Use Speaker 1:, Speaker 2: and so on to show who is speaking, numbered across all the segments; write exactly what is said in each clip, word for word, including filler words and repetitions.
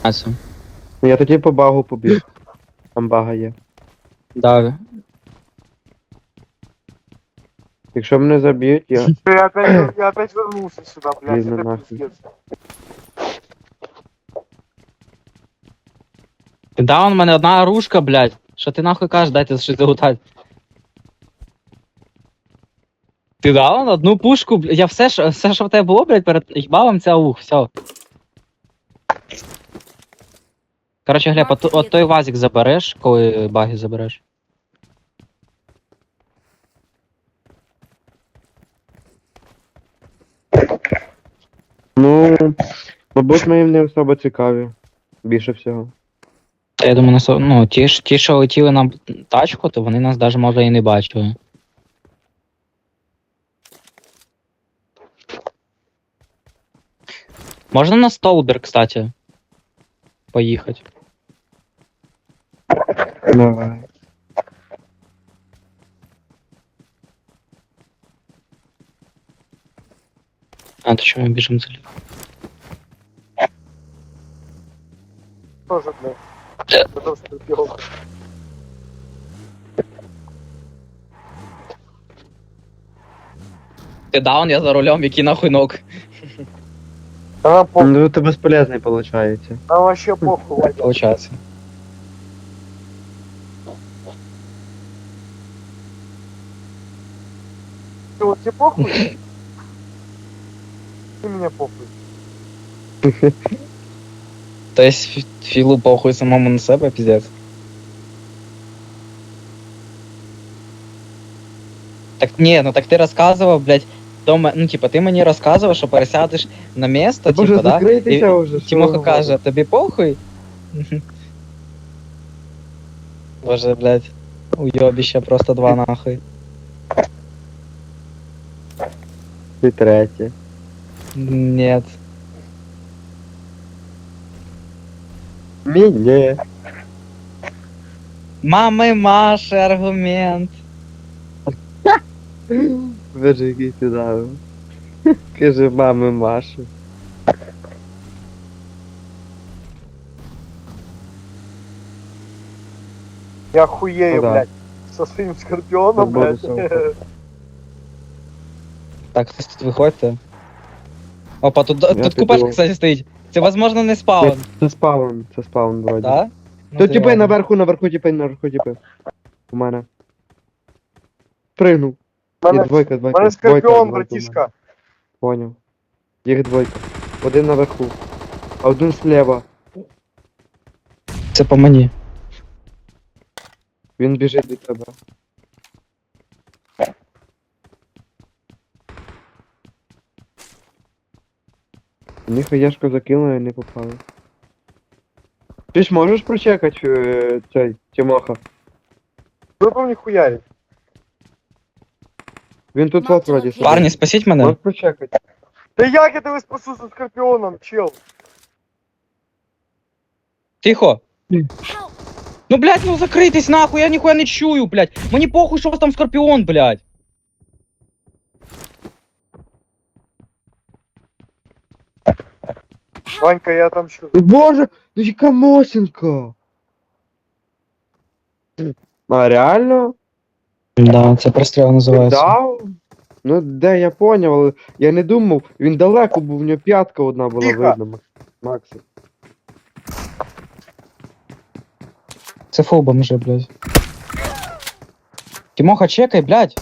Speaker 1: Ася.
Speaker 2: Ну я тоді по багу побіг. Там бага є.
Speaker 1: Да.
Speaker 2: Якщо мене заб'ють, я.
Speaker 3: Я опять, я опять вернулся сюда, блядь,
Speaker 2: Видно
Speaker 3: это
Speaker 2: нахуй.
Speaker 3: пиздец.
Speaker 1: Да, у мене одна оружка, блядь. Що ти нахуй кажеш, дайте щось загутати. Ти дав одну пушку, блядь. Я все, що, все, що в тебе було, блядь, перед їбалом, це аух, все. Короче, Глеб, от, от той вазик забереш, коли баги забереш.
Speaker 2: Ну, мабуть, ми їм не особо цікаві. Більше всього.
Speaker 1: Та я думаю, нас, ну, ті, ж- ті, що летіли на тачку, то вони нас навіть може і не бачили. Можна на столбер, кстати, поїхати?
Speaker 2: Давай.
Speaker 1: А, то чому ми біжимо за ліво?
Speaker 3: Тоже, блядь. Потому что пиво.
Speaker 1: Ти даун, я за рулем, який нахуй ног.
Speaker 3: Да нам похуй,
Speaker 2: Ну це безполезний виходить.
Speaker 3: нам вообще похуй, Вадя.
Speaker 1: Получається.
Speaker 3: Ты вот тебе похуй? Ты меня похуй.
Speaker 1: То есть фі- філу похуй самому на себе, піздець. Так ні, ну так ти розказував, блядь, дома, ну типа ти мені розказував, що пересядеш на місто,
Speaker 2: Боже,
Speaker 1: типа, да?
Speaker 2: закрийтеся
Speaker 1: І
Speaker 2: вже. що
Speaker 1: Тимоха
Speaker 2: ви
Speaker 1: каже, тобі похуй? Боже, блядь, уйобіще просто два нахуй.
Speaker 2: Ти третє.
Speaker 1: Нет.
Speaker 2: Мені.
Speaker 1: Мами Маші аргумент.
Speaker 2: Боже, який ти дав. Каже мами Маші.
Speaker 3: Я хуею,
Speaker 2: Ну да.
Speaker 3: блядь. Со своим скорпионом,
Speaker 2: Свободу
Speaker 3: блядь.
Speaker 2: слова.
Speaker 1: Так, хтось тут виходьте. Опа, тут,
Speaker 2: Я
Speaker 1: тут купешка,
Speaker 2: піду.
Speaker 1: кстати, стоїть. Це, возможно, не спаун,
Speaker 2: Це спаун, це спаун вроді.
Speaker 1: да? Ну,
Speaker 2: То
Speaker 1: ти
Speaker 2: тіпи
Speaker 1: ладно.
Speaker 2: наверху, наверху тіпи, наверху тіпи. У мене. Пригнув. Є
Speaker 3: Мене,
Speaker 2: двойка, двойка.
Speaker 3: мене
Speaker 2: двойка,
Speaker 3: скорпион,
Speaker 2: двойка у мене.
Speaker 3: братишка.
Speaker 2: Поняв. Їх двойка. Один наверху. А один слева.
Speaker 1: Це по мені.
Speaker 2: Він біжить від тебе. Вони хаєшку закинули і не попали. Ти ж можеш прочекати е, цей Тимоха?
Speaker 3: Вы по мне хуярить.
Speaker 2: Він тут вот вроді сидить.
Speaker 1: Парні, спасіть мене.
Speaker 2: Можеш прочекати?
Speaker 3: Да як я тебе спасу со скорпионом, чел?
Speaker 1: Тихо. Ну, блядь, ну закритись нахуй, я ніхуя не чую, блядь. Мені похуй, що у вас там скорпіон, блядь.
Speaker 3: Ванька, я там что?
Speaker 2: Боже, ну яка мосінка! А реально?
Speaker 1: Да, це простріл
Speaker 2: Дав? Ну де я поняв, але я не думав, він далеко був, у нього п'ятка одна була
Speaker 3: Тихо.
Speaker 2: видно. Макс- Максі.
Speaker 1: Це фул бомжи, блядь. Тимоха, чекай, блядь.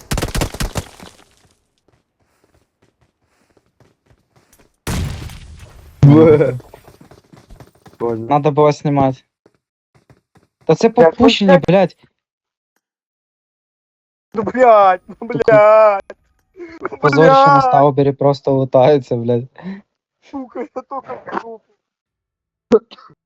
Speaker 2: Бе. Понял.
Speaker 1: Надо було знімати. Та це
Speaker 3: Блядь,
Speaker 1: попущення,
Speaker 3: ну,
Speaker 1: блядь.
Speaker 3: Ну, блядь, ну, блядь. Ну,
Speaker 1: Позорище на
Speaker 3: блядь,
Speaker 1: стаубері просто лутається, блядь.
Speaker 3: сука, я только в группу.